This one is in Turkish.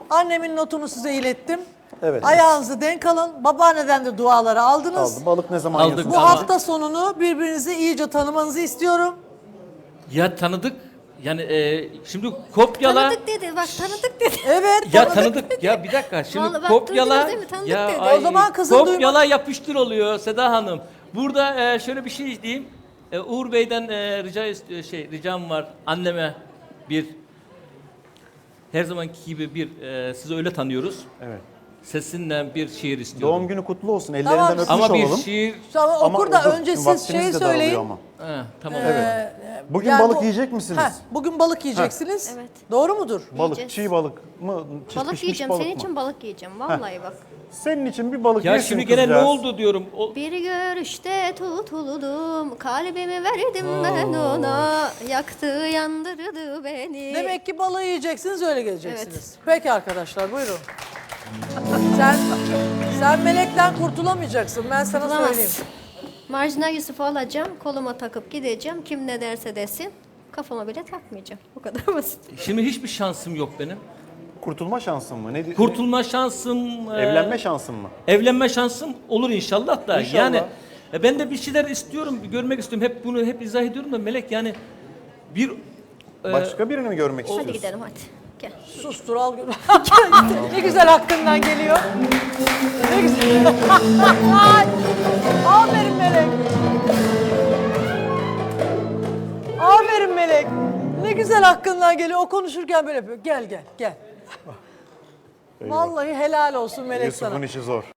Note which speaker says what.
Speaker 1: Annemin notunu size ilettim.
Speaker 2: Evet.
Speaker 1: Ayağınızı denk alın. Babaanneden de duaları aldınız.
Speaker 2: Aldım. Balık ne zaman
Speaker 3: Aldık.
Speaker 2: yiyorsun?
Speaker 1: Bu
Speaker 3: Tamam.
Speaker 1: hafta sonunu birbirinizi iyice tanımanızı istiyorum.
Speaker 3: Ya tanıdık. Yani şimdi kopyala.
Speaker 4: Tanıdık dedi bak tanıdık dedi.
Speaker 1: Evet.
Speaker 3: Ya tanıdık. Ya bir dakika. Şimdi
Speaker 4: Vallahi bak,
Speaker 3: kopyala.
Speaker 4: duydunuz değil mi? Tanıdık
Speaker 3: Ya
Speaker 4: dedi.
Speaker 3: ay,
Speaker 1: O zaman kızın
Speaker 3: kopyala yapıştır oluyor Seda Hanım. Burada şöyle bir şey diyeyim. Uğur Bey'den ricam var anneme bir her zamanki gibi bir sizi öyle tanıyoruz.
Speaker 2: Evet.
Speaker 3: Sesinden bir şiir istiyorum.
Speaker 2: Doğum günü kutlu olsun. Ellerinden öpmüş
Speaker 3: Ama bir
Speaker 2: olalım.
Speaker 3: şiir.
Speaker 1: Tamam,
Speaker 2: Ama
Speaker 1: okur da
Speaker 2: okur.
Speaker 1: önce siz
Speaker 2: Vaktimiz
Speaker 1: şey
Speaker 2: de daralıyor
Speaker 1: söyleyin.
Speaker 2: ama.
Speaker 3: Tamam.
Speaker 2: Evet. Bugün
Speaker 1: Yani
Speaker 2: balık
Speaker 1: bu-
Speaker 2: yiyecek misiniz?
Speaker 1: Bugün balık yiyeceksiniz.
Speaker 4: Evet.
Speaker 1: Doğru mudur?
Speaker 2: Balık,
Speaker 4: Yiyeceğiz.
Speaker 2: çiğ balık mı?
Speaker 4: Balık
Speaker 2: Pişmiş
Speaker 4: yiyeceğim
Speaker 2: balık
Speaker 4: senin
Speaker 2: mı?
Speaker 4: için balık yiyeceğim vallahi bak.
Speaker 2: Senin için bir balık
Speaker 3: Ya
Speaker 2: yesin
Speaker 3: şimdi gene ne
Speaker 2: kızcağız.
Speaker 3: oldu diyorum.
Speaker 4: Bir görüşte tutuldum, kalbimi verdim ben ona, yaktı yandırdı beni.
Speaker 1: Demek ki balığı yiyeceksiniz, öyle geleceksiniz. Peki arkadaşlar, buyurun. sen melekten kurtulamayacaksın, ben sana
Speaker 4: Bulamaz.
Speaker 1: söyleyeyim.
Speaker 4: Marjinal Yusuf'u alacağım, koluma takıp gideceğim, kim ne derse desin, kafama bile takmayacağım. Bu kadar basit.
Speaker 3: Şimdi hiçbir şansım yok benim.
Speaker 2: Kurtulma şansın mı? Ne?
Speaker 3: Kurtulma şansım,
Speaker 2: Evlenme şansın mı?
Speaker 3: evlenme şansım olur inşallah da.
Speaker 2: İnşallah.
Speaker 3: Yani ben de bir şeyler istiyorum, görmek istiyorum. Hep bunu izah ediyorum da Melek yani bir
Speaker 2: Başka birini mi görmek istiyorsun?
Speaker 4: Hadi gidelim hadi. Gel.
Speaker 1: Sustur, al gör. Ne güzel hakkından geliyor. Ne güzel. Aferin Melek. Aferin Melek. Ne güzel hakkından geliyor. O konuşurken böyle yapıyor. Gel. Vallahi helal olsun Melek sana.
Speaker 2: Yusuf'un işi zor.